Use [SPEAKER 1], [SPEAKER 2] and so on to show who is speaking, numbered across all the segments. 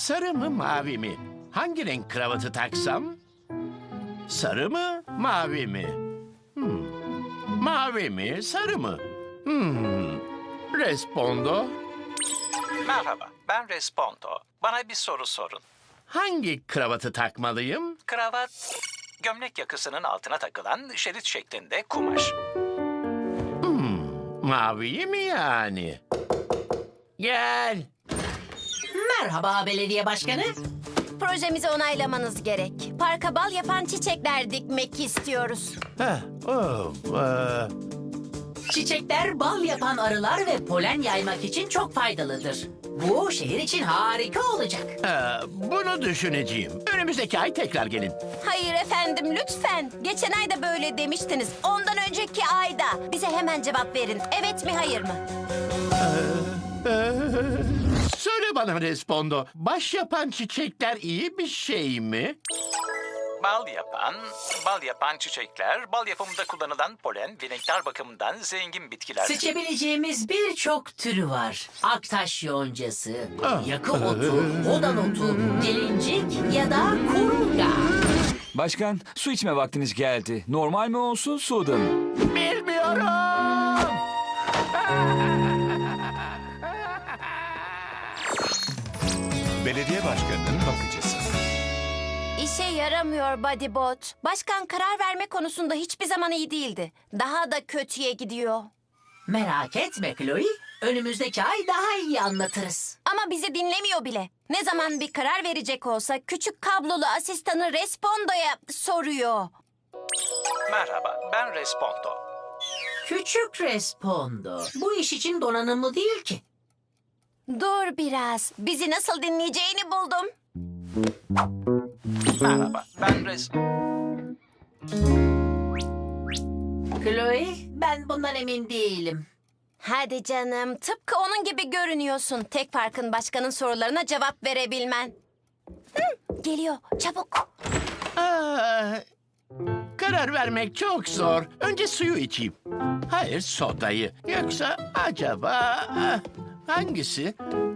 [SPEAKER 1] Sarı mı mavi mi? Hangi renk kravatı taksam? Sarı mı mavi mi? Mavi mi sarı mı? Respondo.
[SPEAKER 2] Merhaba, ben Respondo. Bana bir soru sorun.
[SPEAKER 1] Hangi kravatı takmalıyım?
[SPEAKER 2] Kravat, gömlek yakasının altına takılan şerit şeklinde kumaş.
[SPEAKER 1] Maviyi mi yani? Gel.
[SPEAKER 3] Merhaba belediye başkanı.
[SPEAKER 4] Projemizi onaylamanız gerek. Parka bal yapan çiçekler dikmek istiyoruz.
[SPEAKER 3] Çiçekler bal yapan arılar ve polen yaymak için çok faydalıdır. Bu şehir için harika olacak.
[SPEAKER 1] Bunu düşüneceğim. Önümüzdeki ay tekrar gelin.
[SPEAKER 4] Hayır efendim lütfen. Geçen ay da böyle demiştiniz. Ondan önceki ayda. Bize hemen cevap verin. Evet mi hayır mı?
[SPEAKER 1] Söyle bana Respondo. Baş yapan çiçekler iyi bir şey mi?
[SPEAKER 2] Bal yapan çiçekler, bal yapımında kullanılan polen ve nektar bakımından zengin bitkiler.
[SPEAKER 3] Seçebileceğimiz birçok türü var. Aktaş yoncası, yakı otu, odan otu, gelincik ya da kurunga.
[SPEAKER 5] Başkan, su içme vaktiniz geldi. Normal mi olsun, soda mı?
[SPEAKER 1] Bilmiyorum.
[SPEAKER 6] Belediye başkanının bakıcısı.
[SPEAKER 4] İşe yaramıyor Bodybot. Başkan karar verme konusunda hiçbir zaman iyi değildi. Daha da kötüye gidiyor.
[SPEAKER 3] Merak etme Chloe, önümüzdeki ay daha iyi anlatırız.
[SPEAKER 4] Ama bizi dinlemiyor bile. Ne zaman bir karar verecek olsa küçük kablolu asistanı Respondo'ya soruyor.
[SPEAKER 2] Merhaba, ben Respondo.
[SPEAKER 3] Küçük Respondo, bu iş için donanımlı değil ki.
[SPEAKER 4] Dur biraz. Bizi nasıl dinleyeceğini buldum.
[SPEAKER 2] Merhaba, ben
[SPEAKER 3] Chloe, ben bundan emin değilim.
[SPEAKER 4] Hadi canım. Tıpkı onun gibi görünüyorsun. Tek farkın başkanın sorularına cevap verebilmen. Geliyor. Çabuk.
[SPEAKER 1] Karar vermek çok zor. Önce suyu içeyim. Hayır sodayı. Yoksa acaba hangisi?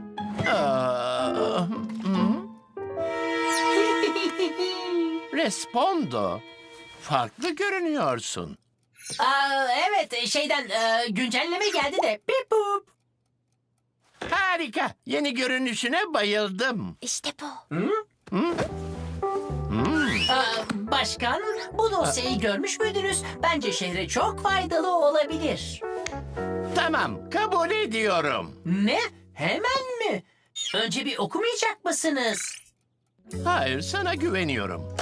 [SPEAKER 1] Respondo. Farklı görünüyorsun.
[SPEAKER 3] Evet, güncelleme geldi de. Bip bup.
[SPEAKER 1] Harika. Yeni görünüşüne bayıldım.
[SPEAKER 4] İşte bu.
[SPEAKER 3] Başkan, bu dosyayı görmüş müydünüz? Bence şehre çok faydalı olabilir.
[SPEAKER 1] Tamam, kabul ediyorum.
[SPEAKER 3] Ne? Hemen mi? Önce bir okumayacak mısınız?
[SPEAKER 1] Hayır, sana güveniyorum.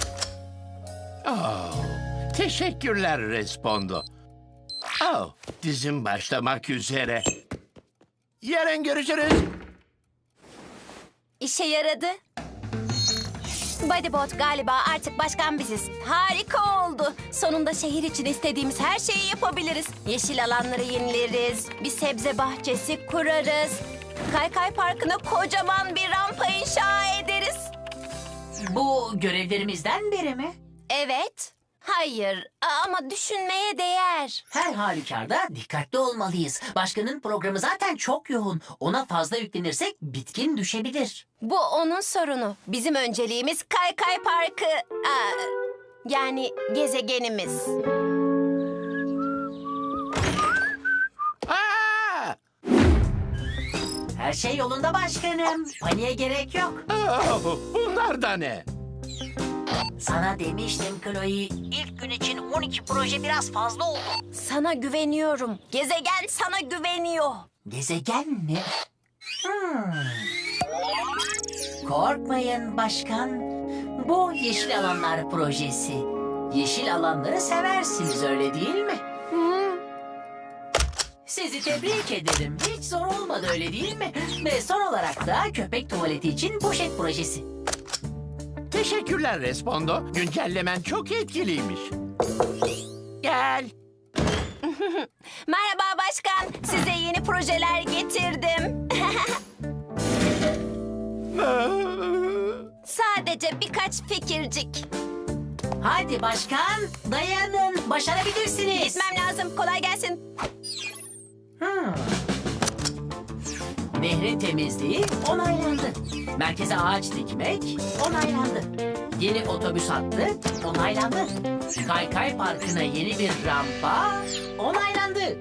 [SPEAKER 1] Teşekkürler Respondo. Dizim başlamak üzere. Yarın görüşürüz.
[SPEAKER 4] İşe yaradı. Bodybot galiba artık başkan biziz. Harika oldu. Sonunda şehir için istediğimiz her şeyi yapabiliriz. Yeşil alanları yenileriz. Bir sebze bahçesi kurarız. Kaykay Parkı'na kocaman bir rampa inşa ederiz.
[SPEAKER 3] Bu görevlerimizden biri mi?
[SPEAKER 4] Evet. Hayır ama düşünmeye değer.
[SPEAKER 3] Her halükarda dikkatli olmalıyız. Başkanın programı zaten çok yoğun. Ona fazla yüklenirsek bitkin düşebilir.
[SPEAKER 4] Bu onun sorunu. Bizim önceliğimiz Kaykay Parkı. Yani gezegenimiz.
[SPEAKER 3] Her şey yolunda başkanım. Paniğe gerek yok.
[SPEAKER 1] Bunlar da ne?
[SPEAKER 3] Sana demiştim Chloe. İlk gün için 12 proje biraz fazla oldu.
[SPEAKER 4] Sana güveniyorum. Gezegen sana güveniyor.
[SPEAKER 3] Gezegen mi? Korkmayın başkan. Bu Yeşil Alanlar projesi. Yeşil alanları seversiniz öyle değil mi? Sizi tebrik ederim. Hiç zor olmadı öyle değil mi? Ve son olarak da köpek tuvaleti için poşet projesi.
[SPEAKER 1] Teşekkürler Respondo. Güncellemen çok etkiliymiş. Gel.
[SPEAKER 4] Merhaba başkan. Size yeni projeler getirdim. Sadece birkaç fikircik.
[SPEAKER 3] Hadi başkan, dayanın. Başarabilirsiniz.
[SPEAKER 4] Gitmem lazım. Kolay gelsin.
[SPEAKER 3] Nehrin temizliği onaylandı. Merkeze ağaç dikmek onaylandı. Yeni otobüs hattı onaylandı. Kaykay Parkı'na yeni bir rampa onaylandı.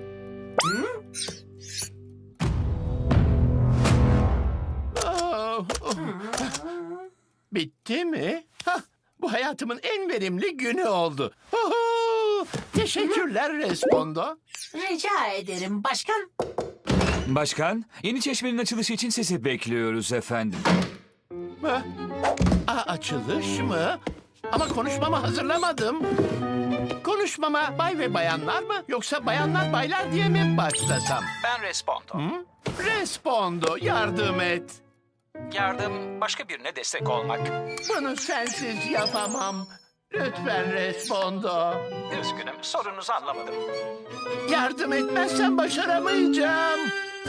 [SPEAKER 1] Oh, oh. Bitti mi? Hah, bu hayatımın en verimli günü oldu. Oho! Teşekkürler Respondo.
[SPEAKER 3] Rica ederim başkan.
[SPEAKER 5] Başkan, yeni çeşmenin açılışı için sizi bekliyoruz efendim.
[SPEAKER 1] Ha? Açılış mı? Ama konuşmamı hazırlamadım. Konuşmama bay ve bayanlar mı yoksa bayanlar baylar diye mi başlasam?
[SPEAKER 2] Ben Respondo.
[SPEAKER 1] Respondo, yardım et.
[SPEAKER 2] Yardım başka birine destek olmak.
[SPEAKER 1] Bunu sensiz yapamam. Lütfen Respondo.
[SPEAKER 2] Üzgünüm, sorunuzu anlamadım.
[SPEAKER 1] Yardım etmezsen başaramayacağım.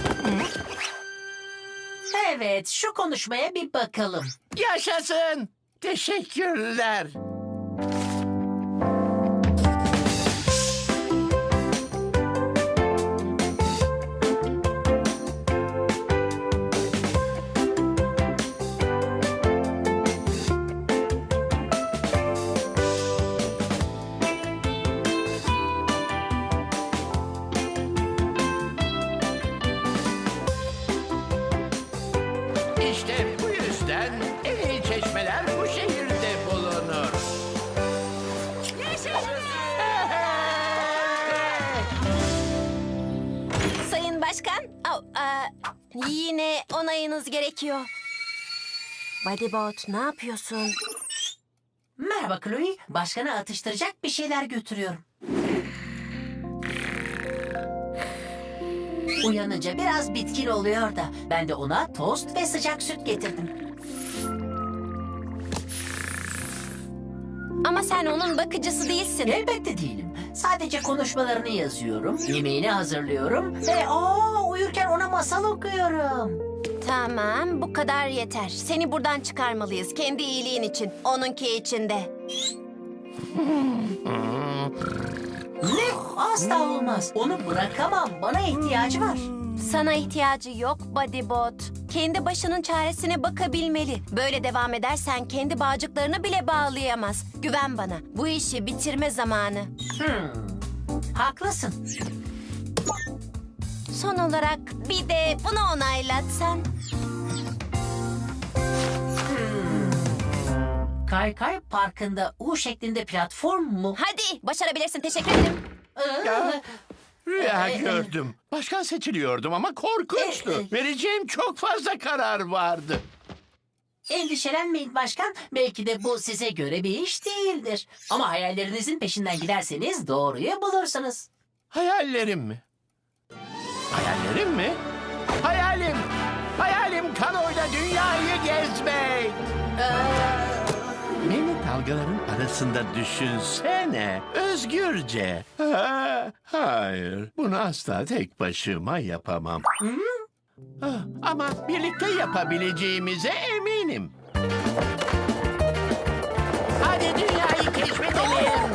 [SPEAKER 3] Evet, şu konuşmaya bir bakalım.
[SPEAKER 1] Yaşasın. Teşekkürler. İşte bu yüzden en iyi çeşmeler bu şehirde bulunur.
[SPEAKER 4] Sayın Başkan, yine onayınız gerekiyor. Bodybot, ne yapıyorsun?
[SPEAKER 3] Merhaba Chloe, başkana atıştıracak bir şeyler götürüyorum. Uyanınca biraz bitkin oluyor da ben de ona tost ve sıcak süt getirdim.
[SPEAKER 4] Ama sen onun bakıcısı değilsin.
[SPEAKER 3] Elbette değilim. Sadece konuşmalarını yazıyorum, yemeğini hazırlıyorum ve uyurken ona masal okuyorum.
[SPEAKER 4] Tamam, bu kadar yeter. Seni buradan çıkarmalıyız. Kendi iyiliğin için, onunki için de.
[SPEAKER 3] Ne? Asla olmaz. Onu bırakamam. Bana ihtiyacı var.
[SPEAKER 4] Sana ihtiyacı yok Bodybot. Kendi başının çaresine bakabilmeli. Böyle devam edersen kendi bağcıklarını bile bağlayamaz. Güven bana. Bu işi bitirme zamanı.
[SPEAKER 3] Haklısın.
[SPEAKER 4] Son olarak bir de bunu onaylatsan.
[SPEAKER 3] Kaykay Parkı'nda U şeklinde platform mu?
[SPEAKER 4] Hadi, başarabilirsin. Teşekkür ederim.
[SPEAKER 1] Rüya gördüm. Başkan seçiliyordum ama korkunçtu. Vereceğim çok fazla karar vardı.
[SPEAKER 3] Endişelenmeyin başkan. Belki de bu size göre bir iş değildir. Ama hayallerinizin peşinden giderseniz doğruyu bulursunuz.
[SPEAKER 1] Hayallerim mi? Hayallerim mi? Hayalim! Hayalim kanoyla dünyayı gezmek! Beni dalgaların arasında düşünsene. Özgürce. Hayır. Bunu asla tek başıma yapamam. Ama birlikte yapabileceğimize eminim. Hadi dünyayı keşfedelim.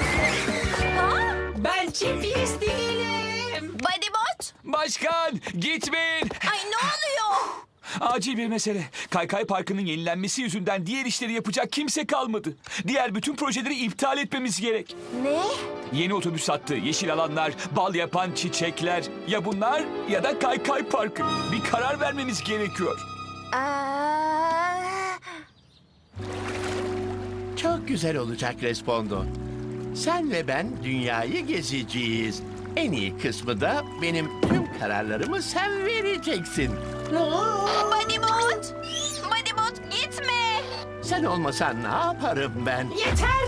[SPEAKER 3] Ben GPS değilim.
[SPEAKER 4] Bodybot!
[SPEAKER 5] Başkan, gitmeyin.
[SPEAKER 4] Ay ne oluyor?
[SPEAKER 5] Acil bir mesele. Kaykay Parkı'nın yenilenmesi yüzünden diğer işleri yapacak kimse kalmadı. Diğer bütün projeleri iptal etmemiz gerek.
[SPEAKER 4] Ne?
[SPEAKER 5] Yeni otobüs hattı, yeşil alanlar, bal yapan çiçekler. Ya bunlar ya da Kaykay Parkı. Bir karar vermemiz gerekiyor.
[SPEAKER 4] Aa,
[SPEAKER 1] Çok güzel olacak Respondo. Sen ve ben dünyayı gezeceğiz. En iyi kısmı da benim tüm kararlarımı sen vereceksin.
[SPEAKER 4] Bodybot! Bodybot gitme!
[SPEAKER 1] Sen olmasan ne yaparım ben?
[SPEAKER 3] Yeter.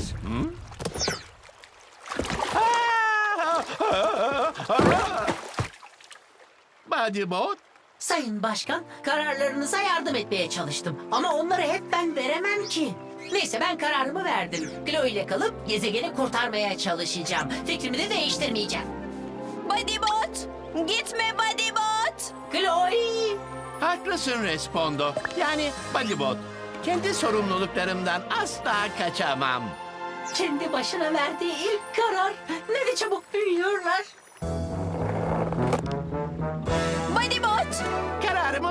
[SPEAKER 1] Bodybot,
[SPEAKER 3] Sayın Başkan, kararlarınıza yardım etmeye çalıştım. Ama onları hep ben veremem ki. Neyse ben kararımı verdim. Chloe ile kalıp gezegeni kurtarmaya çalışacağım. Fikrimi de değiştirmeyeceğim.
[SPEAKER 4] Bodybot! Gitme Bodybot!
[SPEAKER 3] Chloe!
[SPEAKER 1] haklısın Respondo. Yani Bodybot, kendi sorumluluklarımdan asla kaçamam.
[SPEAKER 3] Kendi başına verdiği ilk karar. Ne de çabuk büyüyorlar.
[SPEAKER 4] Bodybot!
[SPEAKER 1] Kararımı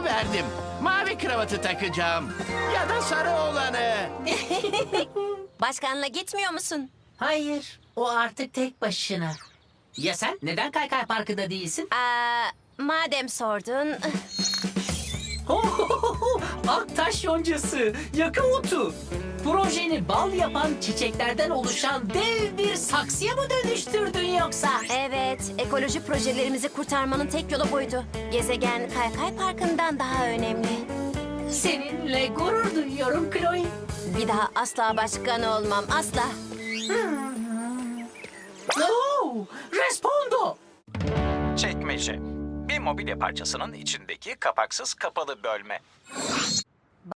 [SPEAKER 1] pembe kravatı takacağım. Ya da sarı olanı.
[SPEAKER 4] Başkanla gitmiyor musun?
[SPEAKER 3] Hayır, o artık tek başına. Ya sen neden Kaykay Parkı'da değilsin?
[SPEAKER 4] Madem sordun.
[SPEAKER 3] Aktaş yoncası, yakı otu. Projeni bal yapan çiçeklerden oluşan dev bir saksıya mı dönüştürdün yoksa?
[SPEAKER 4] Evet, ekoloji projelerimizi kurtarmanın tek yolu buydu. Gezegen Kaykay Parkı'ndan daha önemli.
[SPEAKER 3] Seninle gurur duyuyorum Chloe.
[SPEAKER 4] Bir daha asla başkan olmam, asla.
[SPEAKER 3] Oh, respondo.
[SPEAKER 2] Çekmece. Bir mobilya parçasının içindeki kapaksız kapalı bölme.